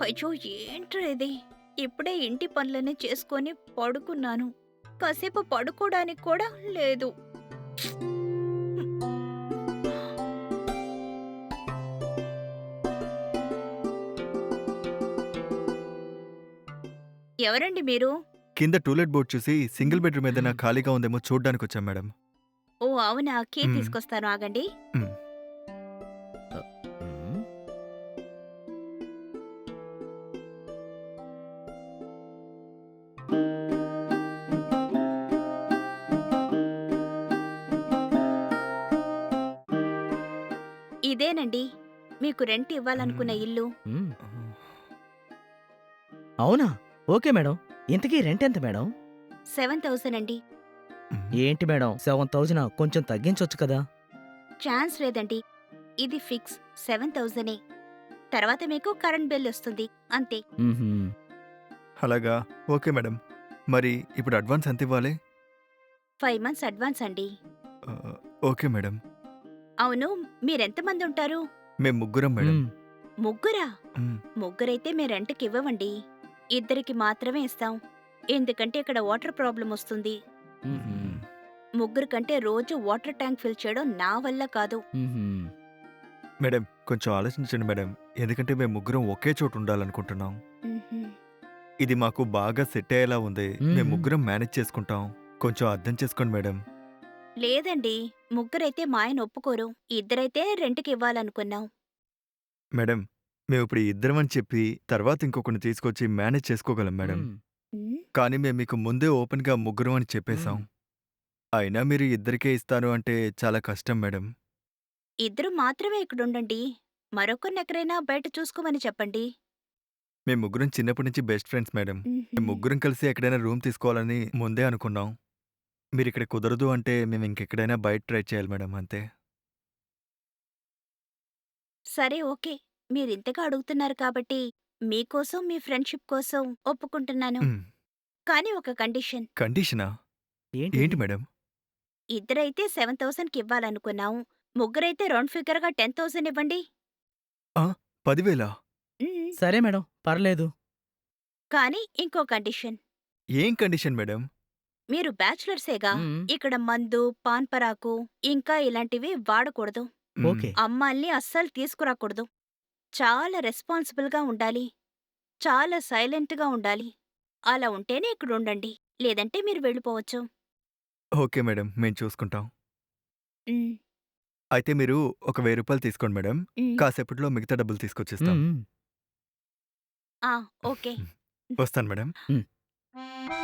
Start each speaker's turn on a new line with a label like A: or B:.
A: అయ్యో! ఏంట్రా ఇది? ఇప్పుడే ఇంటి పనులన్నీ చేసుకొని పడుకున్నాను. కాసేపు పడుకోడానికి కూడా లేదు. ఎవరండి మీరు?
B: కింద టూలెట్ బోర్డ్ చూసి సింగిల్ బెడ్‌రూమ్ ఏదైనా ఖాళీగా ఉందేమో చూడ్డానికొచ్చాం మేడం.
A: ఓహ్! అవునా? కీ
B: హ్మ్.
A: తీసుకొస్తాను ఆగండి.
B: హ్మ్.
C: హ్మ్.
A: ఇదేనండి మీకు రెంట్ ఇవ్వాలనుకున్న
B: హ్మ్.
A: ఇల్లు.
C: హ్మ్.
B: హ్మ్.
C: అవునా? Okay madam. ఇంతకీ రెంటెంత మేడం?
A: 7,000 అండి.
B: హ్మ్.
C: ఏంటి మేడం 7,000 కొంచెం తగ్గించొచ్చు కదా!
A: ఛాన్స్ లేదండి. ఇది ఫిక్స్ 7,000ఏ. తర్వాత మీకు కరెంట్ బిల్ ఒస్తుంది. అంతే.
C: హుహు.
B: అలాగా? Okay madam. మరి ఇప్పుడు అడ్వాన్స్ ఎంతివ్వాలి?
A: 5 మంత్స్ అడ్వాన్స్ అండి.
B: ఆహ్, ఓకే మేడం.
A: అవును. మీరెంతమందుంటారు?
B: మేము ముగ్గురం మేడం.
C: హ్మ్.
A: ముగ్గురా?
B: హ్మ్.
A: ముగ్గురైతే మీ రెంట్‌కివ్వవండి. ఇద్దరికి మాత్రమే ఇస్తాం. ఎందుకంటే ఇక్కడ వాటర్ ప్రాబ్లమ్ ఒస్తుంది.
C: హుహు.
B: హ్మ్.
A: ముగ్గురు కంటే రోజు వాటర్ ట్యాంక్ ఫిల్ చేయడం నా వల్ల కాదు.
C: హుహు.
B: మేడం కొంచెం ఆలోచించండి మేడం. ఎందుకంటే మేము ముగ్గురం ఒకే చోట ఉండాలనుకుంటున్నాం.
A: హుహు.
B: ఇది మాకు బాగా సెట్ అయ్యేలా ఉంది. మేము
C: హుహు.
B: ముగ్గురం మేనేజ్ చేసుకుంటాం. కొంచెం అర్థం చేసుకోండి మేడం.
A: లేదండి. ముగ్గురైతే మా ఆయన ఒప్పుకోరు. ఇద్దరైతే రెంట్‌కివ్వాలనుకున్నాం.
B: మేడం మేమిప్పుడు ఇద్దరం అని చెప్పి తర్వాత ఇంకొకడిని తీసుకొచ్చి మేనేజ్ చేసుకోగలం మేడం.
C: హ్మ్.
A: హ్మ్.
B: కానీ మేము మీకు ముందే ఓపెన్‌గా ముగ్గురం అని చెప్పేసాం.
C: హ్మ్.
B: అయినా మీరు ఇద్దరికే ఇస్తాను అంటే చాలా కష్టం మేడం.
A: ఇద్దరు మాత్రమే ఇక్కడుండండి. మరొకరినెక్కడైనా బయట చూసుకోమని చెప్పండి.
B: మేము ముగ్గురం చిన్నప్పటి నుంచి బెస్ట్ ఫ్రెండ్స్ మేడం.
A: హుహు.
B: మేము ముగ్గురం కలిసి ఎక్కడైనా రూమ్ తీసుకోవాలని ముందే అనుకున్నాం. మీరిక్కడ కుదరదు అంటే మేము ఇంకెక్కడైనా బయట ట్రై చేయాలి మేడం అంతే.
A: సరే ఓకే. మీరింతగా అడుగుతున్నారు కాబట్టి, మీకోసం, మీ ఫ్రెండ్‌షిప్ కోసం ఒప్పుకుంటున్నాను.
B: హ్మ్.
A: కానీ ఒక కండిషన్.
B: కండిషనా?
C: ఏంటిది?
B: ఏంటి మేడం?
A: ఇద్దరైతే 7,000కి ఇవ్వాలనుకున్నాం. ముగ్గురైతే రౌండ్ ఫిగర్‌గా 10,000 ఇవ్వండి.
B: ఆ! 10,000
A: హ్మ్.
C: సరే మేడం. పర్లేదు.
A: కానీ ఇంకో కండిషన్.
B: ఏం కండిషన్ మేడం?
A: మీరు బ్యాచిలర్సేగా.
C: హ్మ్.
A: ఇక్కడ మందు, పాన్ పరాకు, ఇంకా ఇలాంటివి వాడకూడదు.
B: హ్మ్.
C: ఓకే.
A: అమ్మాయిల్ని అస్సలు తీసుకురాకూడదు. చాలా రెస్పాన్సిబుల్‌గా ఉండాలి. చాలా సైలెంట్‌గా ఉండాలి. అలా ఉంటేనే ఇక్కడుండండి. లేదంటే మీరు వెళ్ళిపోవచ్చు.
B: Okay madam. మేము చూసుకుంటాం.
A: హ్మ్.
B: అయితే మీరు ఒక రూ. 1000 తీసుకోండి మేడం.
A: హ్మ్.
B: కాసేపట్లో మిగతా డబ్బులు తీసుకొచ్చిస్తాం.
C: హ్మ్. హ్మ్.
A: ఆ! ఓకే.
B: వస్తాను మేడం.
C: హ్మ్.